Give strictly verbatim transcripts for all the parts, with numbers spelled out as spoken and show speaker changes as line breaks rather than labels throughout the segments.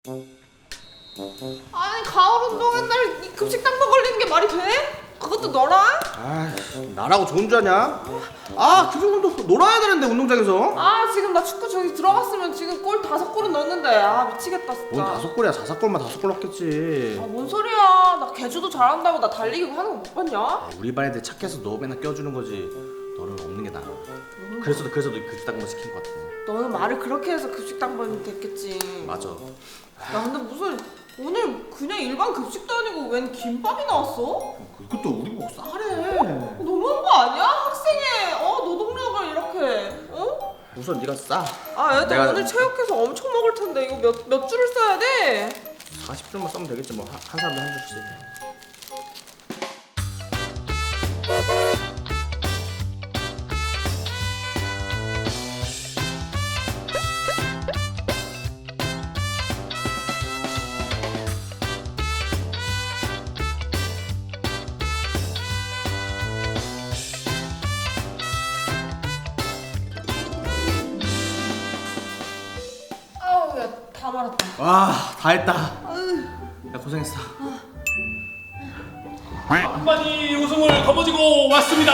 아니 가을 운동회 날 이 급식당번 걸리는 게 말이 돼? 그것도 너랑?
아, 나라고 좋은 줄 아냐? 아, 그 정도 놀아야 되는데 운동장에서.
아 지금 나 축구 저기 들어갔으면 지금 골 다섯 골은 넣었는데 아 미치겠다 진짜.
뭔 다섯 골이야? 다섯 골만 다섯 골 넣겠지.
아 뭔 소리야? 나 개주도 잘한다고 나 달리기 하는 거 못 봤냐?
아, 우리 반 애들 착해서 너 맨날 껴주는 거지. 너는 없는 게 나아. 그래서 그래서 너 급식당번 시킨 것 같아.
너는 말을 그렇게 해서 급식당번이 됐겠지.
맞아.
야 근데 무슨 오늘 그냥 일반 급식도 아니고 웬 김밥이 나왔어?
그것도 우리 보고 싸래.
너무한 거 아니야? 학생의 어 노동력을 이렇게 어?
우선 네가 싸.
아 애들
내가-
오늘 체육해서 엄청 먹을 텐데 이거 몇, 몇 줄을 써야 돼?
사십 줄만 싸면 되겠지 뭐. 한, 한 사람당 한 줄씩.
아우 야 다 말았다.
와, 다 했다. 야, 고생했어.
한반이 우승을 거머쥐고 왔습니다.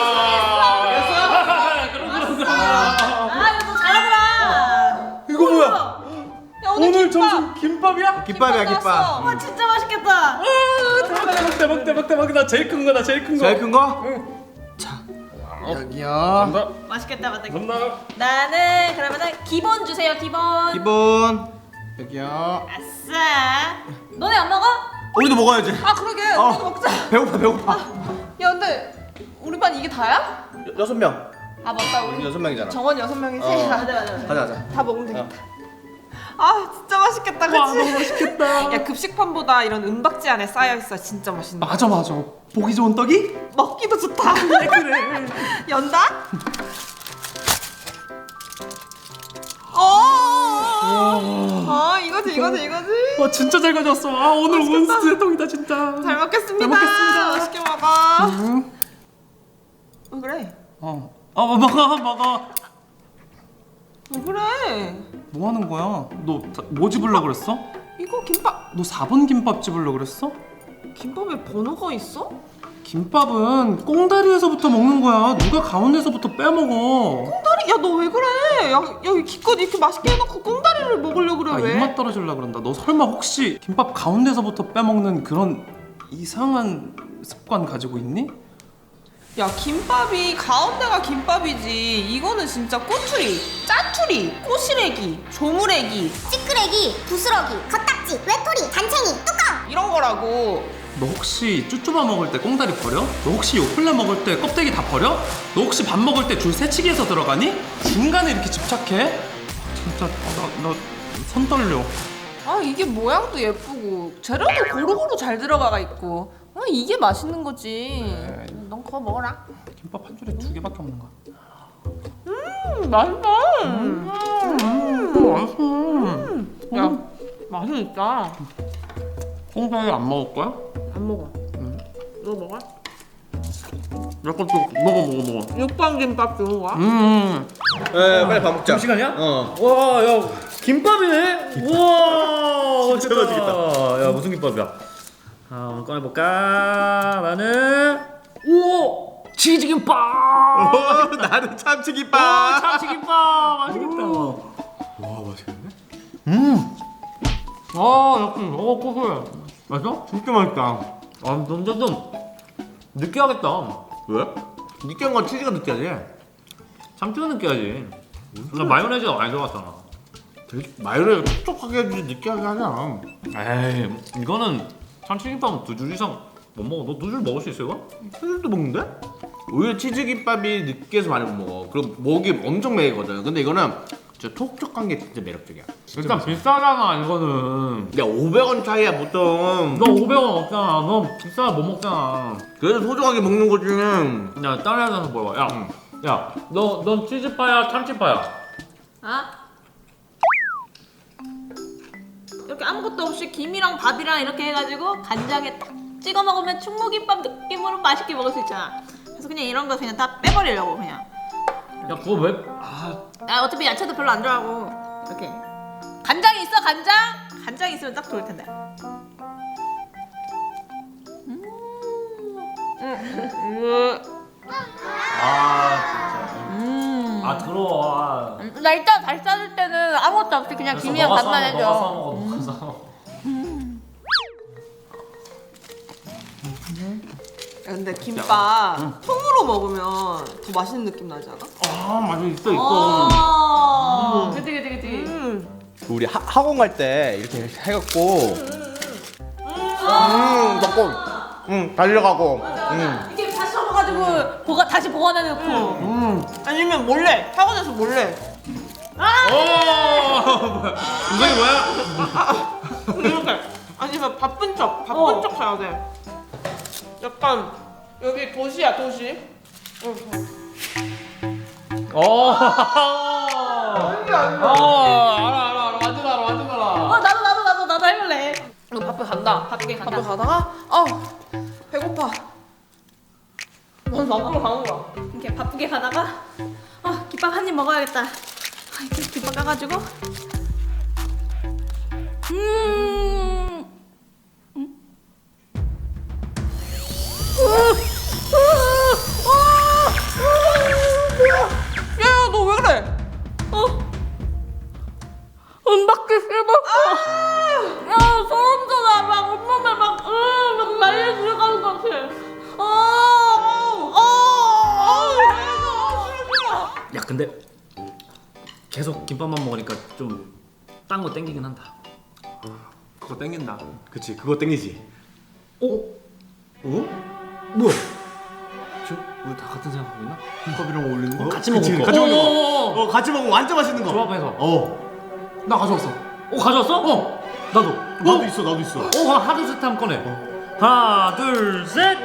그럼 그럼 그럼.
아 이거 너 잘하더라.
이거 뭐야?
야 오늘,
오늘
김밥.
점심 김밥이야?
김밥이야,
나왔어.
김밥.
와 진짜 맛있겠다.
대박 대박 대박 대박 나 제일 큰 거다 제일 큰 거.
제일 큰 거?
응.
자, 여기요.
감사합니다.
맛있겠다 맞다.
감사합니다.
나는 그러면은 기본 주세요 기본.
기본. 여기요.
아싸. 너네 안 먹어?
우리도 먹어야지.
아 그러게
어.
우리도 먹자.
배고파, 배고파.
야 근데 우리 반 이게 다야?
여, 여섯 명.
아 맞다
우리
우리
여섯 명이잖아.
정원 여섯 명이지?
어.
맞아 맞아 맞아.
가자, 가자.
다 먹으면 되겠다. 아 진짜 맛있겠다 그치?
와 너무 맛있겠다.
야 급식판보다 이런 은박지 안에 쌓여있어 진짜 맛있네.
맞아 맞아. 보기 좋은 떡이?
먹기도 좋다.
그래.
연다? 어. 아 이거지 이거지 이거지.
와 진짜 잘 가져왔어. 아 오늘
맛있겠다.
원스 떡이다 진짜.
잘 먹겠습니다.
잘 먹겠습니다.
맛있게 먹어.
응.
왜 그래?
어. 아 먹어 먹어.
왜 그래?
뭐 하는 거야? 너 뭐 집으려 그랬어?
이거 김밥.
너 사 번 김밥 집으려 그랬어?
김밥에 번호가 있어?
김밥은 꽁다리에서부터 먹는 거야. 누가 가운데서부터 빼먹어.
꽁다리? 야 너 왜 그래? 야, 야 기껏 이렇게 맛있게 해놓고 꽁다리를 먹으려 그래
아,
왜?
입맛 떨어질라 그런다. 너 설마 혹시 김밥 가운데서부터 빼먹는 그런 이상한 습관 가지고 있니?
야 김밥이 가운데가 김밥이지 이거는 진짜 꼬투리, 짜투리, 꼬시래기, 조무래기
찌끄레기, 부스러기, 겉딱지, 외톨이, 단챙이, 뚜껑!
이런 거라고.
너 혹시 쭈쭈바 먹을 때 꽁다리 버려? 너 혹시 요플레 먹을 때 껍데기 다 버려? 너 혹시 밥 먹을 때 줄 새치기해서 들어가니? 중간에 이렇게 집착해? 진짜 나 나 손 떨려.
아 이게 모양도 예쁘고 재료도 고루고루 잘 들어가 있고 아 이게 맛있는 거지. 넌 그거 먹어라.
김밥 한 줄에 두 개밖에 없는 거야.
음 맛있다. 음.
맛있어.
야 맛은 있다.
꽁다리 안 먹을 거야?
안 먹어. 너 먹어?
내 것도 먹어 먹어 먹어.
육번 김밥 좋은 거야?
음.
에, 빨리 밥 먹자.
시간이야?
어.
와, 야, 김밥이네? 우와,
진짜 맛있겠다.
야, 무슨 김밥이야? 아, 한번 꺼내볼까? 나는, 오! 치즈김밥!
어, 나는
오,
참치김밥.
참치김밥! 맛있겠다.
와, 맛있겠네.
음! 아, 역시, 어, 고소해. 맛있어?
진짜 맛있다.
아, 근데 좀, 느끼하겠다.
왜? 느끼한 건 치즈가 느끼하지.
참치가 느끼하지. 나 마요네즈가 많이 들어갔잖아.
되게 마요네즈 촉촉하게 해주지 느끼하게 하잖아.
에이, 이거는 참치김밥은 두 줄 이상 못 먹어. 너 두 줄 먹을 수 있어, 이거?
치즈도 먹는데? 오히려 치즈김밥이 느끼해서 많이 못 먹어. 그럼 목이 엄청 메이거든. 근데 이거는 진짜 촉촉한 게 진짜 매력적이야.
일단 비싸잖아, 이거는.
야, 오백 원 차이야 보통.
너 오백 원 없잖아. 너 비싸 못 먹잖아.
그래도 소중하게 먹는 거지.
야, 다른 애한테 물어봐. 야,
응.
야, 너, 넌 치즈파야, 참치파야?
아? 이렇게 아무것도 없이 김이랑 밥이랑 이렇게 해가지고 간장에 딱 찍어 먹으면 충무김밥 느낌으로 맛있게 먹을 수 있잖아. 그래서 그냥 이런 거 그냥 다 빼버리려고 그냥.
야, 그거 왜? 아,
나 어차피 야채도 별로 안 좋아하고 이렇게 간장 있어 간장? 간장 있으면 딱 좋을 텐데. 음. 음.
아
음.
진짜. 아 들어와.
음, 나 일단 다시 싸줄 때는 아무것도 없이 그냥 김이랑 밥만 해줘.
너가 싸먹어. 너가 싸먹어.
야, 근데 김밥 통으로 먹으면 더 맛있는 느낌 나지 않아?
아 맞아 있어 있어.
어. 그치 그치 그치.
음.
우리 하, 학원 갈 때 이렇게 해갖고 음 먹고 음 달려가고 음
이게 다시 접어가지고 보가 다시 보관해놓고.
음.
아니면 몰래 학원에서 몰래
오 뭐야? 이게 뭐야?
이렇게 아니면 바쁜 척 바쁜
어.
척 해야 돼. 약간 여기 도시야 도시. 응.
어. 어 알아 알아 알아 완전 알아 완전 알아.
어 나도 나도 나도 나도 해볼래.
너 바쁘 간다.
바쁘게 간다.
바쁘 가다가 아 배고파. 넌 밖으로 가는 거야.
이렇게 바쁘게 가다가 아 김밥 한 입 먹어야겠다. 아, 이렇게 김밥 까가지고 음. 음.
야야 너 왜 그래?
어. 은박지 씹었어. 야 소름 돋아. 막 온몸에 막, 으, 막 말려 들어가는 것 같아. 어. 어. 어.
야 근데 계속 김밥만 먹으니까 좀 딴 거 땡기긴 한다.
그거 땡긴다.
그치 그거 땡기지.
어?
어?
뭐야? 저 우리 다 같은 생각하고 있나?
김밥이랑 어울리는 거?
같이
그치,
먹을 거.
같이 먹는 거.
어,
어 같이 먹으면 완전 맛있는 거.
조합해서.
어
나 가져왔어.
어 가져왔어? 어 나도.
나도 있어 나도 있어.
어 그럼 하나 둘 셋 한번 꺼내. 하나 둘 셋.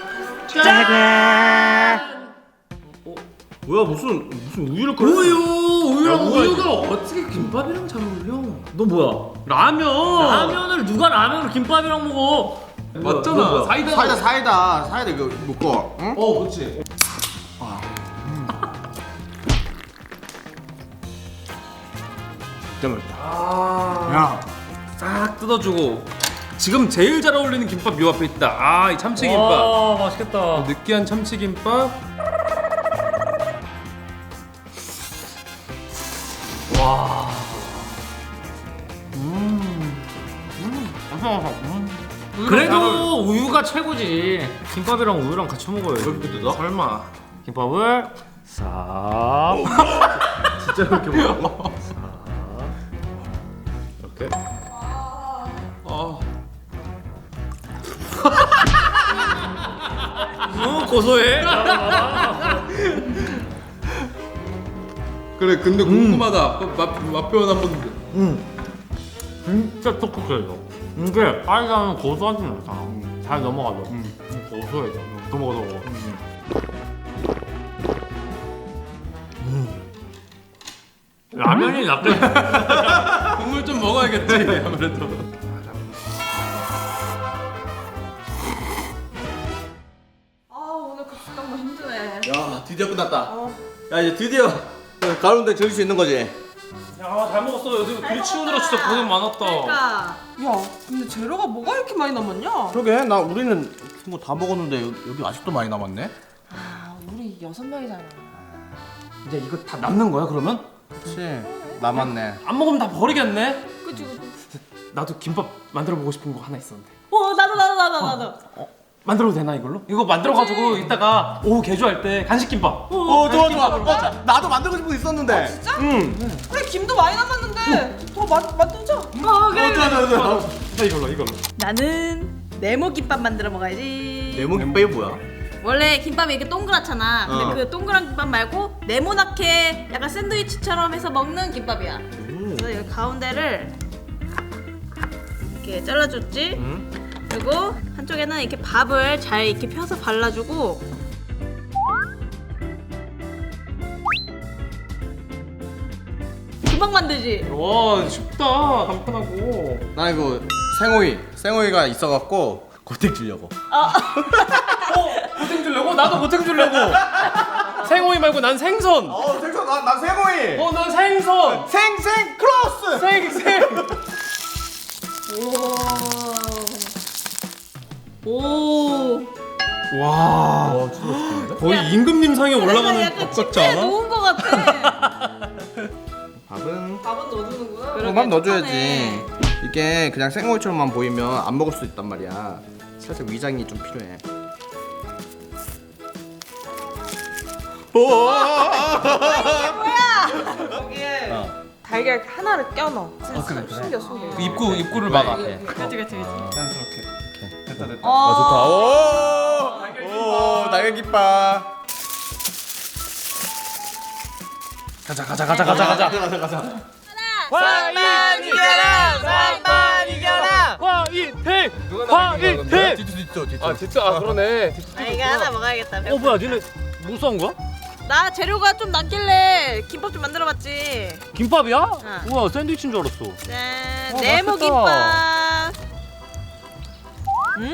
어, 뭐야 무슨 무슨 우유를 끓여?
우유 우유랑
야, 우유가
우유가 어떻게 김밥이랑 잘 어울려?
너 뭐야?
라면.
라면을 누가 라면을 김밥이랑 먹어?
맞잖아.
너 뭐야?
사이다.
사이다 사이다 사이다 이거 먹고. 응?
어 그렇지.
진짜 맛있다.
아.
야.
싹 뜯어주고. 지금 제일 잘 어울리는 김밥 요 앞에 있다. 아 이 참치김밥.
와 맛있겠다.
느끼한 참치김밥.
와. 그래도 우유가 최고지. 김밥이랑 우유랑 같이 먹어요.
이렇게 뜯어?
설마.
김밥을 싹
진짜 이렇게 먹어?
이렇게.
어.
어 고소해.
그래 근데 궁금하다. 맛, 맛 표현 한 번.
진짜 촉촉해 이거. 이게 빨간은 고소하진 않잖아. 잘 넘어가죠. 고소해. 더 먹어 더 먹어. 라면이 낫게.
국물 좀 먹어야겠지 아무래도.
아 오늘 급식 너무 힘드네.
야 드디어 끝났다. 야 이제 드디어 가운데 즐길 수 있는 거지.
야잘 먹었어. 요즘 글 치우느라 진짜 고생 많았다.
그러니까
야 근데 재료가 뭐가 이렇게 많이 남았냐?
그러게 나 우리는 뭐 다 먹었는데 여기, 여기 아직도 많이 남았네.
아 우리 여섯 명이잖아.
이제 이거 다 남는 거야 그러면?
그렇지 남았네.
안 먹으면 다 버리겠네.
그치 그치.
나도 김밥 만들어 보고 싶은 거 하나 있었는데.
어 나도 나도 나도 나도.
만들어도 되나 이걸로? 이거 만들어가지고 이따가 오후 개조할 때 간식 김밥.
어 좋아 좋아. 어, 자, 나도 만들고 싶은 거 있었는데.
진짜?
응.
그래 김도 많이 남았는데 더 마, 만들자.
어 그래.
어 좋아 좋아 좋아.
자 이걸로 이걸로.
나는 네모 김밥 만들어 먹어야지.
네모 김밥이 뭐야?
원래 김밥이 이렇게 동그랗잖아. 근데
어.
그 동그란 김밥 말고 네모나게 약간 샌드위치처럼 해서 먹는 김밥이야. 그래서 여기 가운데를 이렇게 잘라줬지. 그리고 한쪽에는 이렇게 밥을 잘 이렇게 펴서 발라주고. 금방 만들지.
와 쉽다 간편하고.
나 이거 생오이 생오이가 있어갖고 고택 주려고.
어 고생 주려고? 나도 고생 주려고. 생오이 말고 난 생선.
어 생선 나나 생오이.
어 난 생선.
생생 크로스.
생생.
오.
와
와 진짜 맛있겠는데?
거의 임금님 상에 올라가는
약간
밥 같지
침대에
않아?
놓은 것 같아.
밥은
밥은 넣어주는구나.
그러게,
밥 넣어줘야지.
착하네.
이게 그냥 생고기처럼만 보이면 안 먹을 수 있단 말이야. 살짝 위장이 좀 필요해.
거기에
어.
달걀 하나를 껴넣어.
어, 그래, 그래.
숨겨 숨겨.
그 입구 입구를 막아.
그치 그치 그치.
자연스럽게. 됐다 됐다.
어.
좋다. 오, 오, 달걀김밥.
가자 가자 가자 가자 가자.
가자 가자.
화이팅! 이겨라! 삼만 이겨라! 화이팅! 화이팅!
뒤쪽 뒤쪽 뒤쪽.
아 진짜 아 그러네.
아 이거 하나 먹어야겠다.
어 뭐야 니네 뭐 싸운 거야?
나 재료가 좀 남길래 김밥 좀 만들어봤지.
김밥이야?
응.
우와 샌드위치인 줄 알았어.
짠,
어,
네모
맛있겠다.
김밥. 음.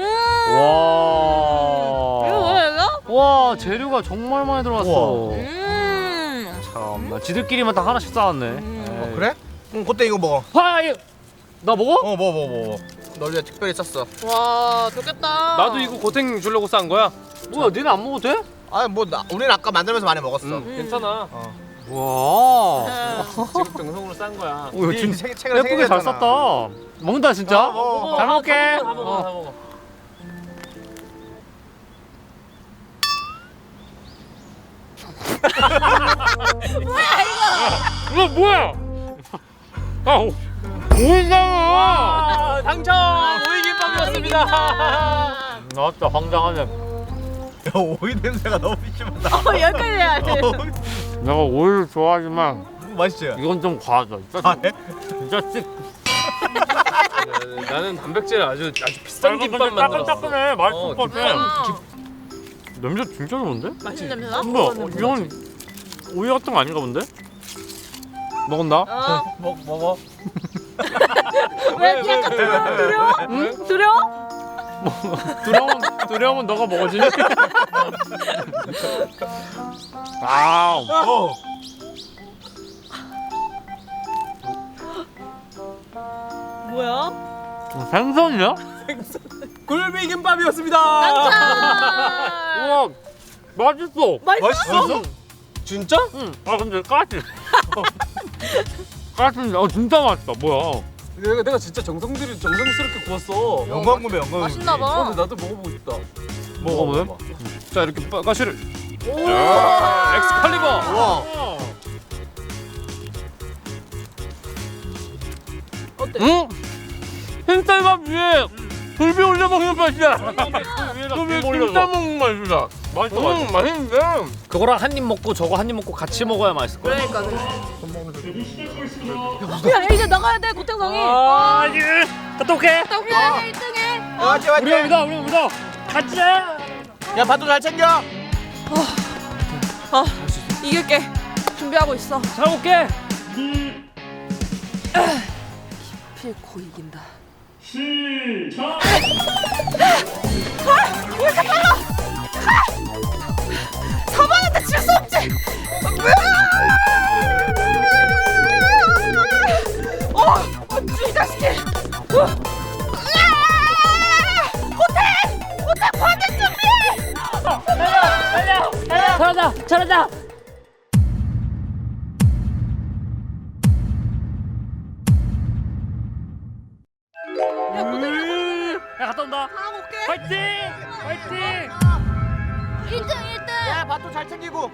와.
이거 뭐야 이거?
와 재료가 정말 많이 들어갔어.
음.
참나 지들끼리만 다 하나씩 싸웠네.
음.
에이.
그래? 응, 그때 이거 먹어.
화이. 나 먹어?
어, 먹어, 먹어, 먹어. 널 위해 특별히 쌌어.
와, 좋겠다.
나도 이거 고생 주려고 싼 거야. 뭐야 니네 안 먹어도 돼?
아, 뭐 나, 우리는 아까 만들면서 많이 먹었어.
응 괜찮아.
어.
와.
음.
지금 정성으로 싼 거야. 오, 이거 진
책, 책을
예쁘게 잘 쌌다. 먹는다 진짜.
어, 먹어.
잘 먹게.
다
어.
먹어,
다 먹어. 이거 뭐야? 아, 오- 오이장어. 당첨 오이김밥이었습니다. 나왔다 황당하네.
야, 오이 냄새가 너무 심하다.
어, 여기까지야.
내가 오이를 좋아하지만
맛있지?
이건 좀 과하다. 진짜
아, 네?
진짜 씩. 나는 단백질 아주 아주 비싼 김밥 만들었어. 따끈따끈해. 맛있을 것 같아. 냄새 진짜 좋은데?
맛있는 냄새나?
뭐야? 이건 오이 같은 거 아닌가 본데? 먹었나?
어.
먹 먹어.
왜 약간 두려워? 두려워? 응? 두려워?
두려운 두려움은 너가 먹어지. 아,
어.
뭐야?
생선이야?
굴비김밥이었습니다.
깜짝!
우와, 맛있어.
맛있어? 진짜?
응. 아 근데 까지. 까지. 어 진짜 맛있다. 뭐야?
내가 내가 진짜 정성들이 정성스럽게 구웠어.
영광구매 영광.
맛있나 봐.
어, 근데 나도 먹어보고 싶다.
먹어보네.
자 이렇게 빠- 가시를.
오!
야, 엑스칼리버.
와.
어때?
응? 흰쌀밥 위에 굴비 올려 먹는 맛이야. 그 위에 김밥 먹는 맛이야. 맛있어, 맛있어. 맛있는데. 그거랑 한 입 먹고 저거 한 입 먹고 같이 먹어야 맛있을 거야.
그러니까. 야, 이제 나가야 돼, 고창성이.
아, 이제 갔다 올게.
야, 일 등 해.
맞지 맞지.
우리가 믿어, 우리가 믿어. 가자.
야, 밥도 잘 챙겨.
아, 이길게. 준비하고 있어.
잘 먹게.
필코 이긴다.
사방한테 질 수 없지. 어, 이 자식이. 어. 호텔, 호텔 관객 준비. 달려, 달려. 잘한다, 잘한다. 야, 호텔.
야, 갔다 온다.
가고 올게.
화이팅! 화이팅!
일 등, 일 등.
야, 밥도 잘 챙기고.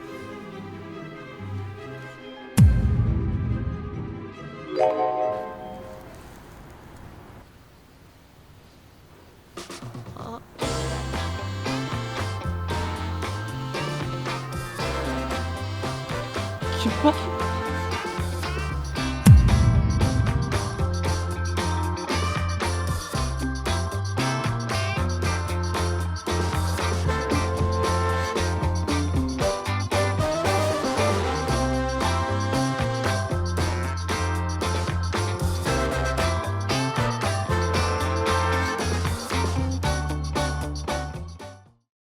김밥?